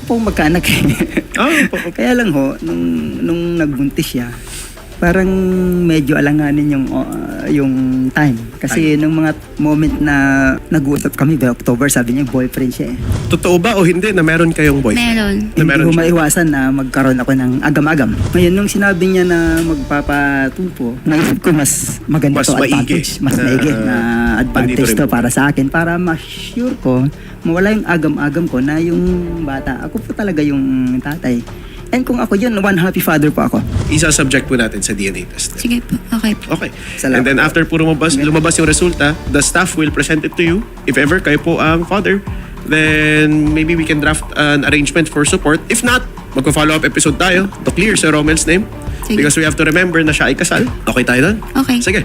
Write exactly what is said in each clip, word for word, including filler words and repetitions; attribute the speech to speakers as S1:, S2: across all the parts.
S1: po magkaanak eh.
S2: Oh, po.
S1: Kaya lang ho, nung, nung nagbuntis siya, parang medyo alanganin yung uh, yung time. Kasi nung mga moment na nag-uusap kami by October, sabi niya boyfriend siya eh.
S2: Totoo ba o hindi na meron kayong boyfriend?
S3: Meron.
S2: Na
S1: Hindi
S2: meron
S1: ko
S2: siya?
S1: maiwasan na magkaroon ako ng agam-agam. Ngayon, nung sinabi niya na magpapatupo, naisip ko mas maganda
S2: Mas
S1: to
S2: maigi
S1: advantage. Mas
S2: na-
S1: maigi na advantage
S2: nandito rin
S1: to
S2: po.
S1: para sa akin. Para ma-sure ko, mawala yung agam-agam ko na yung bata. Ako po talaga yung tatay. And kung ako yun, one happy father po ako.
S2: Isa-subject po natin sa D N A test.
S3: Sige po. Okay po.
S2: Okay.
S1: Salamat
S2: And then
S1: po.
S2: after po lumabas, lumabas yung resulta, the staff will present it to you. If ever kayo po ang father, then maybe we can draft an arrangement for support. If not, magpa-follow up episode tayo to clear Sir Romel's name.
S3: Sige.
S2: Because we have to remember na siya ay kasal. Okay tayo doon?
S3: Okay.
S2: Sige.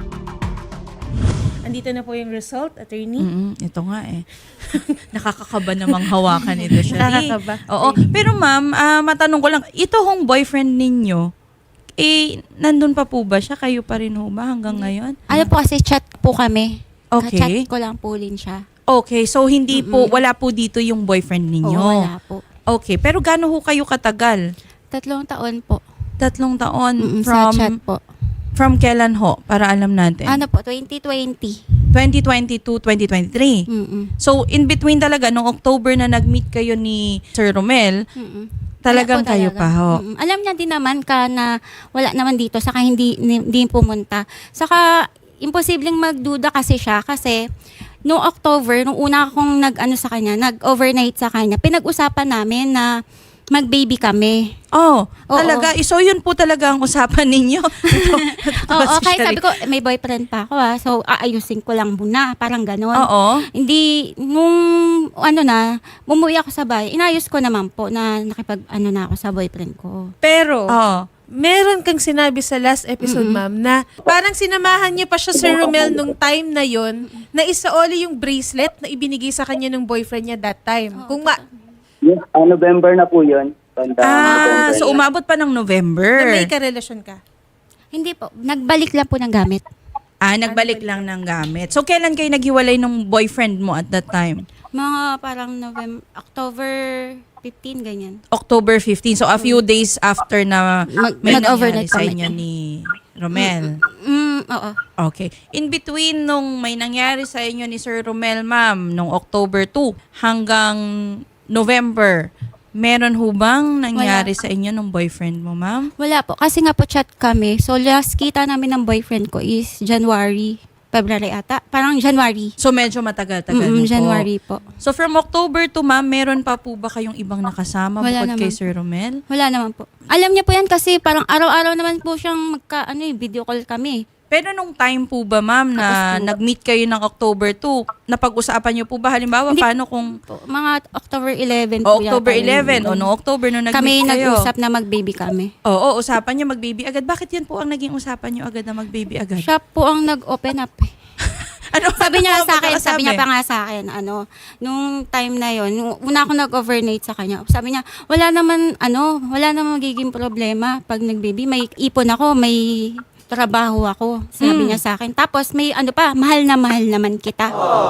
S4: Andito na po yung result, attorney.
S5: Mm, ito nga eh. Nakakakaba namang hawakan ito siya.
S4: Nakakakaba.
S5: Oo. Pero ma'am, ah, matanong ko lang, ito hong boyfriend ninyo, eh, nandun pa po ba siya? Kayo pa rin ho ba hanggang ngayon?
S6: Ano po kasi chat po kami.
S5: Okay.
S6: Ka-chat ko lang po rin siya.
S5: Okay, so hindi po, wala po dito yung boyfriend ninyo.
S6: Oo, wala po.
S5: Okay, pero gaano ho kayo katagal?
S6: Tatlong taon po.
S5: Tatlong taon
S6: Mm-mm,
S5: from
S6: sa chat po.
S5: from kailan ho? Para alam natin.
S6: Ano po, twenty twenty.
S5: twenty twenty-two, twenty twenty-three.
S6: Mm-mm.
S5: So, in between talaga, noong October na nag-meet kayo ni Sir Romel,
S6: Mm-mm.
S5: talagang
S6: Wala po
S5: kayo
S6: talaga.
S5: pa ho.
S6: Mm-mm. Alam niya din naman ka na wala naman dito, saka hindi, hindi pumunta. Saka, imposibleng magduda kasi siya kasi noong October, nung una akong nag-ano sa kanya, nag-overnight sa kanya, pinag-usapan namin na mag-baby kami.
S5: Oh,
S6: Oo.
S5: talaga. So, yun po talaga ang usapan ninyo.
S6: Oo, okay, sabi ko, may boyfriend pa ako ah. So, aayusin ko lang muna. Parang ganon.
S5: Oo.
S6: Hindi, nung ano na, bumuwi ako sa bahay, inayos ko naman po na nakipag, ano na ako sa boyfriend ko.
S4: Pero,
S5: Oo.
S4: meron kang sinabi sa last episode, ma'am, na parang sinamahan niyo pa siya, Sir Romel, nung time na yon na isaoli yung bracelet na ibinigay sa kanya ng boyfriend niya that time. Kung ma-
S7: Yes, ah, November na po yun. Banda,
S5: Ah,
S7: November
S5: so
S7: na.
S5: umabot pa ng
S4: na
S5: November.
S4: may karelasyon ka.
S6: Hindi po, nagbalik lang po ng gamit.
S5: Ah, nagbalik lang ng gamit. So, kailan kayo naghiwalay ng boyfriend mo at that time?
S6: Mga parang November, October fifteenth, ganyan.
S5: October fifteenth. So, a few days after na
S6: Mag-
S5: may
S6: mag-overnight
S5: nangyari sa
S6: kami.
S5: inyo ni Romel.
S6: Mm, oo.
S5: Okay. In between nung may nangyari sa inyo ni Sir Romel, ma'am, nung October two hanggang November, meron ho bang nangyari sa inyo ng boyfriend mo, ma'am?
S6: Wala po, kasi nga po chat kami. So, last kita namin ng boyfriend ko is January, February ata. Parang January.
S5: So, medyo matagal-tagal
S6: Mm,
S5: na po.
S6: January po.
S5: So, from October to, ma'am, meron pa po ba kayong ibang nakasama
S6: Wala
S5: bukod kay
S6: naman.
S5: Sir Romel?
S6: Wala naman po. Alam niya po yan kasi parang araw-araw naman po siyang magka, ano eh, video call kami.
S5: Pero nung time po ba, ma'am, na
S6: Tapos po.
S5: nag-meet kayo ng October two, napag-usapan niyo po ba, halimbawa,
S6: Hindi
S5: paano kung
S6: Po, mga October eleventh
S5: o
S6: po
S5: October
S6: yata yun.
S5: eleven o no October nung
S6: Kami
S5: nag-meet kayo?
S6: nag-usap na mag-baby kami.
S5: Oo, usapan niyo mag-baby agad. Bakit yan po ang naging usapan niyo agad na mag-baby agad?
S6: Siya po ang nag-open up eh.
S5: Ano,
S6: Sabi
S5: ano
S6: niya
S5: po ang
S6: sa akin, sabi niya pa
S5: pagkakasabi?
S6: nga sa akin, ano, nung time na yon, nung una ako nag-overnight sa kanya, sabi niya, wala naman, ano, wala naman magiging problema pag nag-baby. May ipon ako, may trabaho ako, sabi
S5: Mm.
S6: niya sa akin. Tapos may ano pa, mahal na mahal naman kita.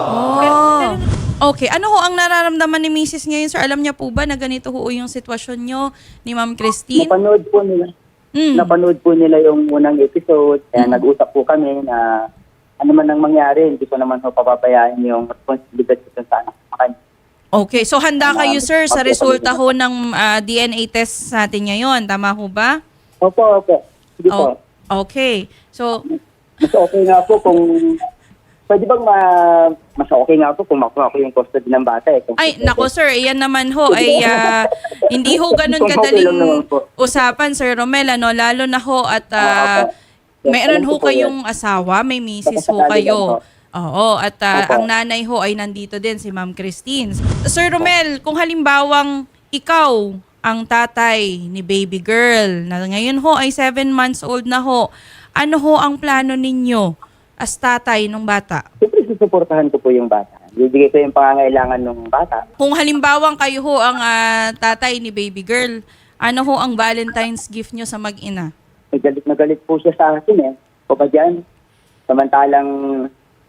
S5: Oh. Okay, ano ho ang nararamdaman ni Missus ngayon, sir? Alam niya po ba na ganito ho yung sitwasyon niyo ni Ma'am Christine?
S7: Napanood po nila.
S5: Mm.
S7: Napanood po nila yung unang episode. Kaya nag-usap po kami na ano man ang mangyari, hindi ko naman ho papabayaan yung responsibilidad ko sa anak sa kanya.
S5: Okay, so handa kayo, sir, sa
S7: Okay,
S5: resulta
S7: okay.
S5: ho ng ah, D N A test natin ngayon. Tama ho ba?
S7: Opo, opo. Sige
S5: Oh,
S7: po.
S5: okay. So,
S7: Mas okay nga po kung... Pwede bang ma... Mas okay nga po kung makuha ko yung custody ng bata eh. Kung
S5: ay, nako sir, iyan naman ho ay ah, hindi ho ganun
S7: Kung okay lang naman
S5: kadaling
S7: po.
S5: usapan, Sir Romel, ano, lalo na ho at ah,
S7: Opo.
S5: meron
S7: Alam
S5: ho
S7: ko po
S5: kayong asawa, may misis ho
S7: Nakasakali
S5: kayo.
S7: lang po.
S5: Oo, at ah,
S7: Opo.
S5: ang nanay ho ay nandito din, si Ma'am Christine. Sir Romel, kung halimbawang ikaw ang tatay ni baby girl, na ngayon ho ay seven months old na ho, ano ho ang plano ninyo as tatay ng bata?
S7: Siyempre, susuportahan ko po yung bata. Bibigay ko yung pangangailangan ng bata.
S5: Kung halimbawang kayo ho ang ah, tatay ni baby girl, ano ho ang Valentine's gift nyo sa mag-ina?
S7: May galit na galit po siya sa akin eh. O ba dyan? Samantalang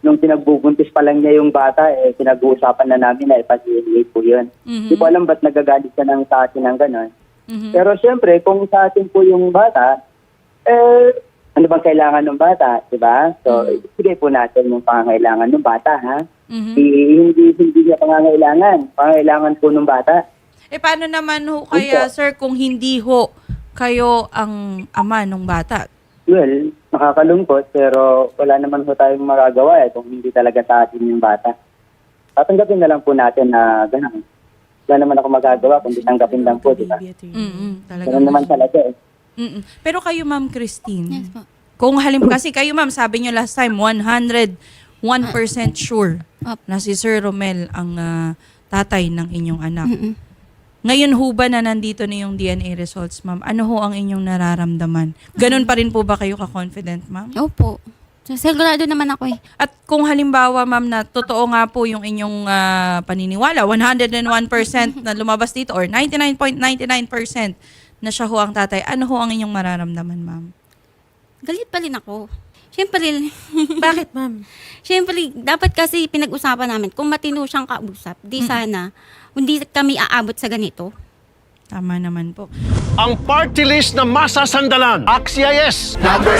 S7: nung pinagbubuntis pa lang niya yung bata, eh, pinag-uusapan na namin na ipa-D N A po yun.
S5: Mhm.
S7: Hindi ko alam ba't nagagalit siya ng sa atin ng gano'n.
S5: Mhm.
S7: Pero siyempre, kung sa atin po yung bata, eh, ano bang kailangan ng bata, di ba? So, ibigay po natin yung pangangailangan ng bata, ha?
S5: Mhm.
S7: I- hindi, hindi niya pangangailangan. Pangangailangan po ng bata.
S5: Eh, paano naman ho kaya,
S7: Opo.
S5: sir, kung hindi ho kayo ang ama ng bata?
S7: Well, nakakalungkot, pero wala naman po tayong magagawa eh kung hindi talaga sa atin yung bata. Tatanggapin na lang po natin na gano'n. Wala naman ako magagawa kundi tanggapin lang po, di ba?
S5: Mm-mm, talaga.
S7: Gano'n naman talaga eh.
S5: Mm-mm. Pero kayo, Ma'am Christine,
S6: Yes po.
S5: kung halim kasi kayo, ma'am, sabi nyo last time, one hundred one percent sure
S6: Up.
S5: na si Sir Romel ang ah, tatay ng inyong anak.
S6: Mm-mm.
S5: Ngayon ho ba na nandito na yung D N A results, ma'am? Ano ho ang inyong nararamdaman? Ganun pa rin po ba kayo ka-confident, ma'am?
S6: Opo. So, sigurado naman ako eh.
S5: At kung halimbawa, ma'am, na totoo nga po yung inyong ah, paniniwala, one hundred one percent na lumabas dito or ninety-nine point nine nine percent na siya ho ang tatay, ano ho ang inyong mararamdaman, ma'am?
S6: Galit pa rin ako. Siyempre,
S4: Bakit, ma'am?
S6: siyempre, dapat kasi pinag-usapan namin, kung matino siyang kausap, di sana, hindi kami aabot sa ganito.
S5: Tama naman po.
S3: Ang party list na masasandalan. Axia yes!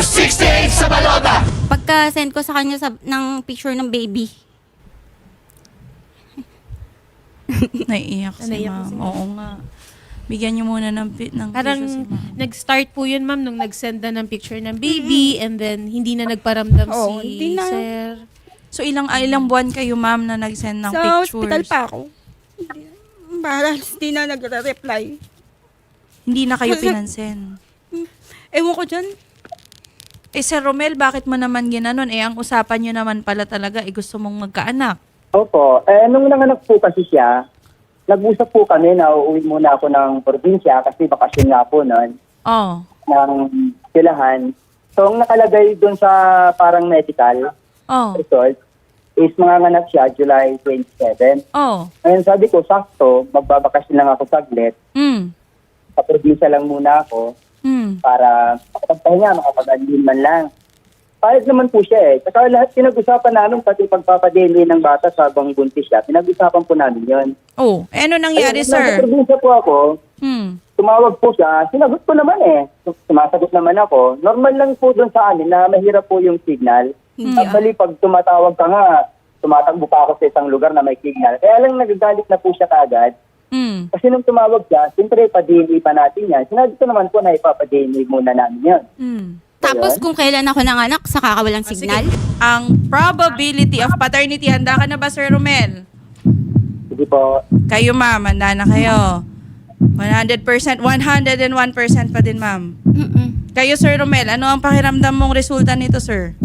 S6: Pagka-send ko sa kanya sa, ng picture ng baby,
S5: Naiiyak si
S4: Naiiyak
S5: ma'am.
S4: si ma'am.
S5: Oo nga. Bigyan niyo muna ng, pi- ng
S4: Parang
S5: tissue si ma'am.
S4: nag-start po yun, ma'am, nung nag-send na ng picture ng baby and then hindi na nagparamdam
S8: Oo,
S4: si
S8: hindi na.
S4: sir.
S5: So ilang ah, ilang buwan kayo, ma'am, na nag-send ng
S8: Sa
S5: pictures?
S8: hospital pa ako. Para hindi na nagre-reply.
S5: Hindi na kayo
S8: Kasi-
S5: pinansin.
S8: Ewan ko dyan.
S5: Eh, Sir Romel, bakit mo naman ginanon? Eh, ang usapan nyo naman pala talaga, eh, gusto mong magkaanak.
S7: Opo. Eh, nung nanganak po kasi siya, nag-usap po kami na uuwi muna ako ng probinsya kasi bakasyon nga po noon
S5: Oh.
S7: ng silahan. So, ang nakalagay doon sa parang medical
S5: Oh.
S7: result is manganganak siya July twenty-seven.
S5: Oh.
S7: Ngayon sabi ko, sakto, magbabakasyon lang ako saglit.
S5: Mm.
S7: Sa probinsya lang muna ako
S5: Mm.
S7: para makapagpahinga, makapag-admin man lang. Pahit naman po siya eh. Saka lahat pinag-usapan namin, pati pagpapadeli ng bata sa habang buntis siya, pinag-usapan po namin yon.
S5: Oh. Eh, ano nangyari,
S7: Ayun,
S5: sir?
S7: Nasa probinsya po ako,
S5: Hmm.
S7: tumawag po siya, sinagot ko naman eh. Sumasagot naman ako. Normal lang po doon sa amin na mahirap po yung signal.
S6: Hindi
S7: Actually, pag tumatawag ka nga, tumatakbo pa ako sa isang lugar na may signal. Kaya lang nagagalit na po siya kagad.
S5: Hmm.
S7: Kasi nung tumawag siya, siyempre pa-D N A pa natin yan. Sinabi ko naman po na ipapa-D N A muna namin yan.
S5: Hmm.
S6: Tapos kung kailan ako nanganak, saka ka walang
S5: Ah,
S6: signal.
S5: sige. Ang probability of paternity, handa ka na ba, Sir Romel?
S7: Sige po.
S5: Kayo, ma'am, handa na kayo. one hundred percent, one hundred one percent pa din, ma'am.
S6: Mm-mm.
S5: Kayo, Sir Romel, ano ang pakiramdam mong resulta nito, sir?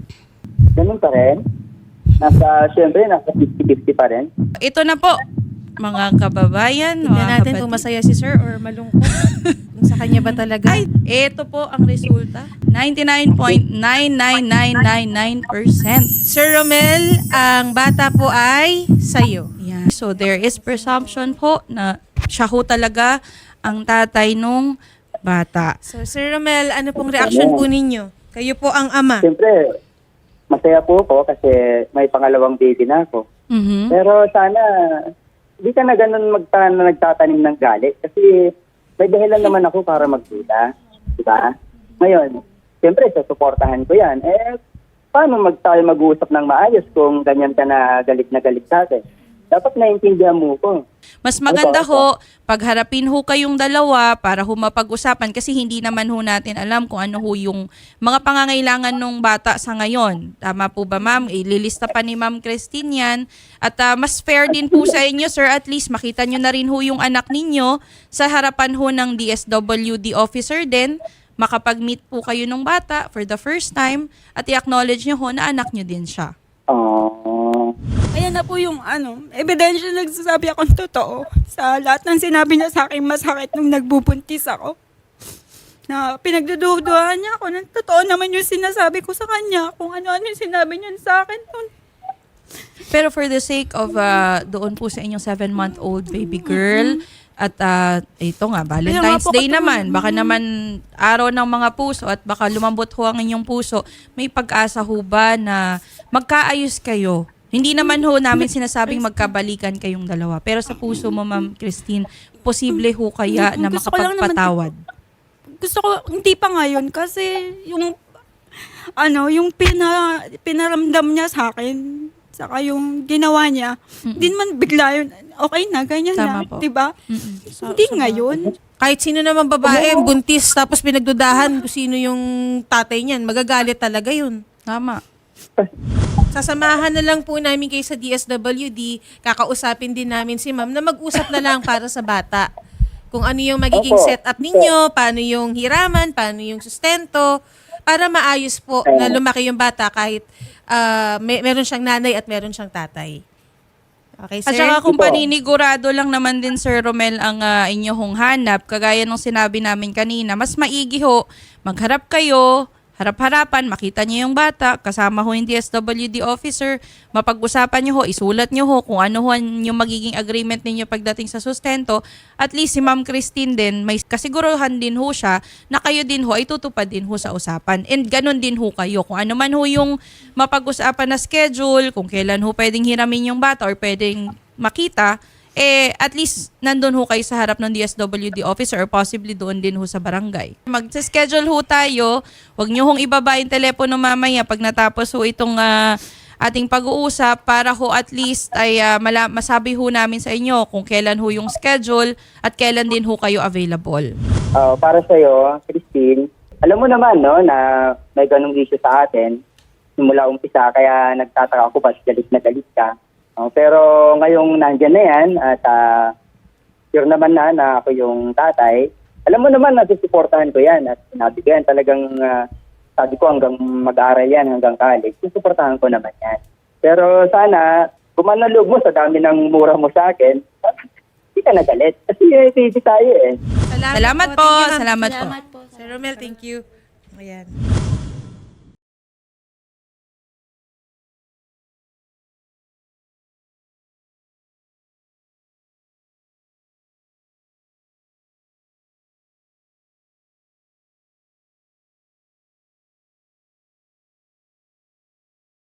S7: Ganun pa rin. Nasa, siyempre, nasa fifty-fifty pa rin.
S5: Ito na po, mga kababayan,
S4: Tingnan
S5: mga
S4: natin kung
S5: kapatid.
S4: masaya si sir or malungkot. Kung sa kanya ba talaga?
S5: Ay, ito po ang resulta. ninety-nine point nine nine nine nine nine percent.
S4: Sir Romel, ang bata po ay sa'yo.
S5: Yan. So, there is presumption po na siya ho talaga ang tatay nung bata.
S4: So, Sir Romel, ano pong reaction po ninyo? Kayo po ang ama.
S7: Siyempre, masaya po ako kasi may pangalawang baby na ako.
S5: Mhm.
S7: Pero sana, di ka na ganun magta na nagtatanim ng galit kasi may dahilan naman ako para magduda. Diba? Ngayon, siyempre, susuportahan ko yan. Eh, paano mag tayo mag-uusap ng maayos kung ganyan ka na galit na galit sa akin? Dapat naiintindihan mo ko.
S5: Mas maganda
S7: Opo,
S5: ho, pagharapin ho kayong dalawa para ho mapag-usapan kasi hindi naman ho natin alam kung ano ho yung mga pangangailangan ng bata sa ngayon. Tama po ba, ma'am? Ililista pa ni Ma'am Christine yan. At ah, mas fair din po sa inyo, sir, at least makita nyo na rin ho yung anak ninyo sa harapan ho ng D S W D officer din. Makapag-meet po kayo ng bata for the first time at i-acknowledge nyo ho na anak nyo din siya.
S7: Oh.
S8: Ayan na po yung ano, ebidensya nagsasabi akong totoo. Sa lahat ng sinabi niya sa akin, masakit nung nagbubuntis ako. Na pinagdududuhan niya ako. Nang totoo naman yung sinasabi ko sa kanya. Kung ano-ano yung sinabi niya sa akin nun.
S5: Pero for the sake of uh, doon po sa inyong seven-month-old baby girl, at uh, ito nga, Valentine's
S8: Kaya nga po
S5: Day
S8: katulad-
S5: naman, baka naman araw ng mga puso at baka lumambot ho ang inyong puso, may pag-asa ho ba na magkaayos kayo? Hindi naman ho namin sinasabing magkabalikan kayong dalawa. Pero sa puso mo, Ma'am Christine, posible ho kaya na
S8: Gusto ko lang naman-
S5: makapagpatawad?
S8: Gusto ko, hindi pa ngayon kasi yung, ano, yung pina, pinaramdam niya sa akin, saka yung ginawa niya, hindi naman bigla yun, okay na, ganyan
S5: Tama
S8: na,
S5: po.
S8: di ba?
S5: Mm-mm. So-
S8: Hindi
S5: so-
S8: ngayon.
S4: Kahit sino naman babae, buntis, tapos pinagdudahan kung sino yung tatay niyan, magagalit talaga yun.
S5: Tama.
S4: Sasamahan na lang po namin kayo sa D S W D, kakausapin din namin si ma'am na mag-usap na lang para sa bata. Kung ano yung magiging
S7: Opo.
S4: setup ninyo, paano yung hiraman, paano yung sustento, para maayos po na lumaki yung bata kahit ah, may, meron siyang nanay at meron siyang tatay. Okay,
S5: At
S4: sir?
S5: saka kung
S7: Ito.
S5: paninigurado lang naman din, Sir Romel, ang uh, inyong hanap, kagaya nung sinabi namin kanina, mas maigi ho, magharap kayo, harap-harapan, makita niyo yung bata, kasama ho yung D S W D officer, mapag-usapan niyo ho, isulat niyo ho kung ano ho yung magiging agreement ninyo pagdating sa sustento. At least si Ma'am Christine din, may kasiguruhan din ho siya na kayo din ho ay tutupad din ho sa usapan. And ganun din ho kayo. Kung ano man ho yung mapag-usapan na schedule, kung kailan ho pwedeng hiramin yung bata or pwedeng makita, eh at least nandun ho kayo sa harap ng D S W D officer or possibly doon din ho sa barangay. Mag-schedule ho tayo, huwag nyo hong ibaba yung telepono mamaya pag natapos ho itong ah, ating pag-uusap para ho at least ay ah, mala- masabi ho namin sa inyo kung kailan ho yung schedule at kailan din ho kayo available.
S7: Ah, para sa iyo, Christine, alam mo naman no na may ganung issue sa atin simula umpisa kaya nagtataka ako bakit galit na galit ka. Oh, pero ngayong nandiyan na yan at uh, sure naman na na ako yung tatay, alam mo naman na susuportahan ko yan at sinabi ko yan talagang uh, sabi ko hanggang mag-aaral yan hanggang college, susuportahan ko naman yan. Pero sana, kumanalog mo sa dami ng mura mo sa akin, hindi ka nagalit. Kasi eh, busy tayo eh.
S5: Salamat po,
S4: Thank you, ma'am.
S5: salamat po.
S6: Salamat po.
S4: Sir Romel, thank you. Ayan.